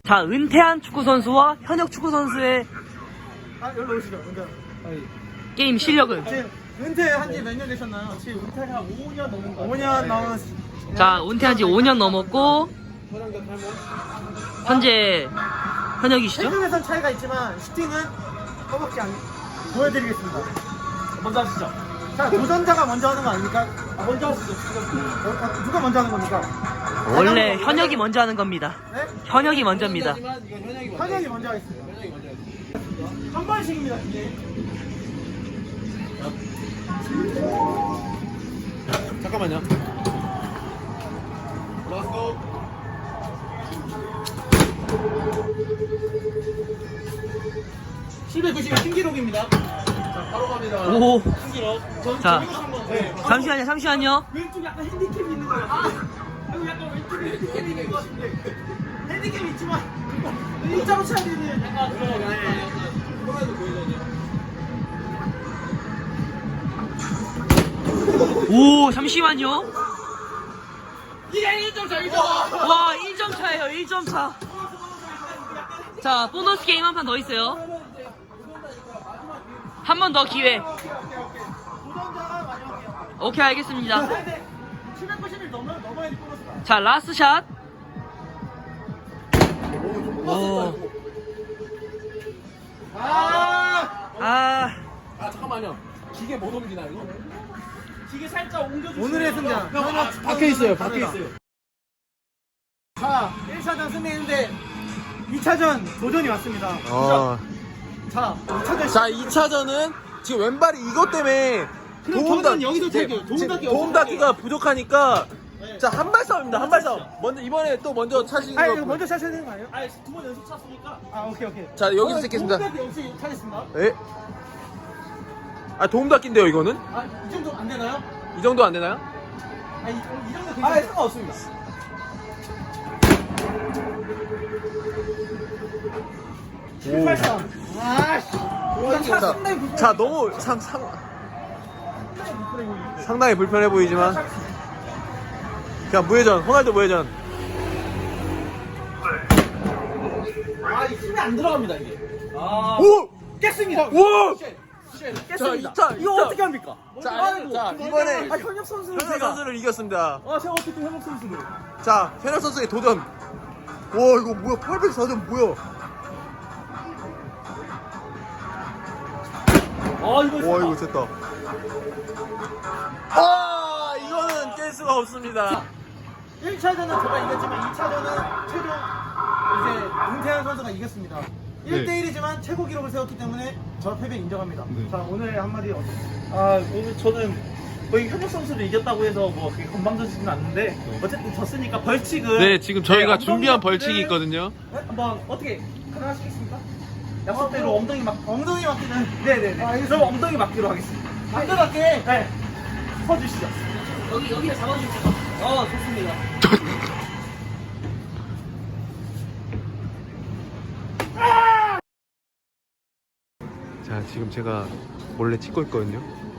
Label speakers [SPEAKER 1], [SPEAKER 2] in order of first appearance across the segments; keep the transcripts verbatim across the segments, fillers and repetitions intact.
[SPEAKER 1] 자, 은퇴한 축구 선수와 현역 축구 선수의
[SPEAKER 2] 아, 여기로 오시죠. 은퇴.
[SPEAKER 1] 게임 실력은.
[SPEAKER 2] 지금 은퇴한 지 몇 년 되셨나요? 지금 은퇴가 한 오 년 넘은 거. 오 년 넘은.
[SPEAKER 1] 자, 은퇴한 지 오 년 넘었고 현재 현역이시죠?
[SPEAKER 2] 체급에선 차이가 있지만 슈팅은 허벅지 안 보여드리겠습니다. 먼저 하시죠. 자, 도전자가 먼저 하는 거 아닙니까? 아, 먼저 하시죠. 어, 아, 누가 먼저 하는 겁니까?
[SPEAKER 1] 원래 현역이 먼저 하는 겁니다.
[SPEAKER 2] 네?
[SPEAKER 1] 현역이 먼저입니다.
[SPEAKER 2] 현역이 먼저 하겠습니다. 한 번씩입니다, 이게.
[SPEAKER 3] 잠깐만요.
[SPEAKER 2] 칠백구십 신기록입니다. 자, 바로 갑니다.
[SPEAKER 1] 오.
[SPEAKER 2] 신기록. 전
[SPEAKER 1] 자,
[SPEAKER 2] 저기서 한번. 네.
[SPEAKER 1] 잠시만요, 잠시만요.
[SPEAKER 2] 왼쪽 약간 핸디캡이 있는 거예요. 아, 여기 약간 왼쪽에 핸디캡이 있는 것 같은데. 핸디캡이 있지만 일자로 쳐야 되는 약간 들어가네.
[SPEAKER 1] 오, 잠시만요.
[SPEAKER 2] 이게 일 점 차, 일 점 차.
[SPEAKER 1] 와, 일 점 차예요, 일 점 차. 자, 보너스 게임 한 판 더 있어요. 한 번 더 기회.
[SPEAKER 2] 도전자가 마지막이에요.
[SPEAKER 1] 오케이, 알겠습니다.
[SPEAKER 2] 칠백구십일 넘어, 넘어야 돼, 보너스가.
[SPEAKER 1] 자, 라스트 샷. 오.
[SPEAKER 2] 아,
[SPEAKER 1] 아,
[SPEAKER 3] 아 잠깐만요. 기계 못 옮기나 이거?
[SPEAKER 2] 기계 살짝 옮겨주세요. 오늘의 승자.
[SPEAKER 3] 형, 아, 박혀 있어요. 박혀 있어요.
[SPEAKER 2] 자, 일 차전 승리했는데 이 차전 도전이 왔습니다.
[SPEAKER 3] 어.
[SPEAKER 2] 자, 이 차전
[SPEAKER 3] 자, 이 차전은 지금 왼발이 이것 때문에
[SPEAKER 2] 그럼
[SPEAKER 3] 도움
[SPEAKER 2] 경기는
[SPEAKER 3] 닫-
[SPEAKER 2] 여기서
[SPEAKER 3] 네,
[SPEAKER 2] 찰게요. 도움
[SPEAKER 3] 지금
[SPEAKER 2] 닫기
[SPEAKER 3] 도움 닫기가 부족하니까
[SPEAKER 2] 네.
[SPEAKER 3] 자, 한 발 싸움입니다. 한 발 싸움. 먼저 이번에 또 먼저 차시는
[SPEAKER 2] 아,
[SPEAKER 3] 거.
[SPEAKER 2] 이거 먼저 차셔야 되는 거 아니에요? 아, 두 번 연속 찼으니까. 아, 오케이, 오케이.
[SPEAKER 3] 자, 여기서 찍겠습니다.
[SPEAKER 2] 도움 닫기 역시 차겠습니다.
[SPEAKER 3] 예? 아, 도움 닫기인데요, 이거는?
[SPEAKER 2] 아, 이 정도 안 되나요?
[SPEAKER 3] 이 정도 안 되나요?
[SPEAKER 2] 아, 이, 이 정도 괜찮아요. 아, 상관없습니다. 칠팔삼. 아씨. 차
[SPEAKER 3] 자,
[SPEAKER 2] 상당히 불편해.
[SPEAKER 3] 자, 너무 상, 상, 상당히 불편해 보이지만 그냥 무회전, 호날두 무회전.
[SPEAKER 2] 아, 이 힘이 안 들어갑니다, 이게. 아.
[SPEAKER 3] 오!
[SPEAKER 2] 깼습니다.
[SPEAKER 3] 오!
[SPEAKER 2] 깼습니다.
[SPEAKER 3] 자, 이 차, 이
[SPEAKER 2] 이거
[SPEAKER 3] 차.
[SPEAKER 2] 어떻게 합니까?
[SPEAKER 3] 자,
[SPEAKER 2] 아이고,
[SPEAKER 3] 자,
[SPEAKER 2] 좀
[SPEAKER 3] 이번에
[SPEAKER 2] 아, 현역 선수는
[SPEAKER 3] 현역
[SPEAKER 2] 제가.
[SPEAKER 3] 선수를 이겼습니다.
[SPEAKER 2] 아, 제가 어떻게 현역 선수를.
[SPEAKER 3] 자, 현역 선수의 도전. 와, 이거 뭐야? 팔백사 점 뭐야?
[SPEAKER 2] 아, 이거
[SPEAKER 3] 와, 이거 됐다. 아, 이거는 깰 수가 없습니다.
[SPEAKER 2] 일 차전은 제가 이겼지만 이 차전은 최종 이제 은퇴한 선수가 이겼습니다. 일 대 일이지만 최고 기록을 세웠기 때문에 저 패배 인정합니다. 자, 오늘 한마디 어떠세요?
[SPEAKER 4] 아, 오늘 저는 거의 현역 선수를 이겼다고 해서 뭐 그렇게 건방져지진 않는데 어쨌든 졌으니까 벌칙은
[SPEAKER 5] 네, 지금 저희가
[SPEAKER 4] 네,
[SPEAKER 5] 준비한
[SPEAKER 4] 엉덩이를
[SPEAKER 5] 벌칙이 있거든요.
[SPEAKER 4] 한번 어떻게 가능하시겠습니까? 약속대로 엉덩이 막
[SPEAKER 2] 엉덩이 맞기는.
[SPEAKER 4] 네네네.
[SPEAKER 2] 아,
[SPEAKER 4] 그럼 엉덩이 맞기로 하겠습니다.
[SPEAKER 2] 안전하게.
[SPEAKER 4] 네. 서주시죠.
[SPEAKER 1] 여기, 여기를 잡아주세요. 어, 좋습니다.
[SPEAKER 5] 자, 지금 제가 몰래 찍고 있거든요.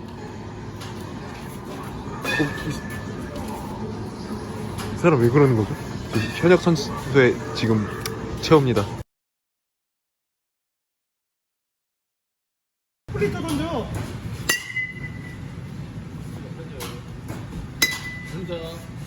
[SPEAKER 5] 어, 이, 이 사람 왜 그러는 거죠? 지금 현역 선수의 지금 최후입니다.
[SPEAKER 2] 플리터 던져.
[SPEAKER 3] 진짜.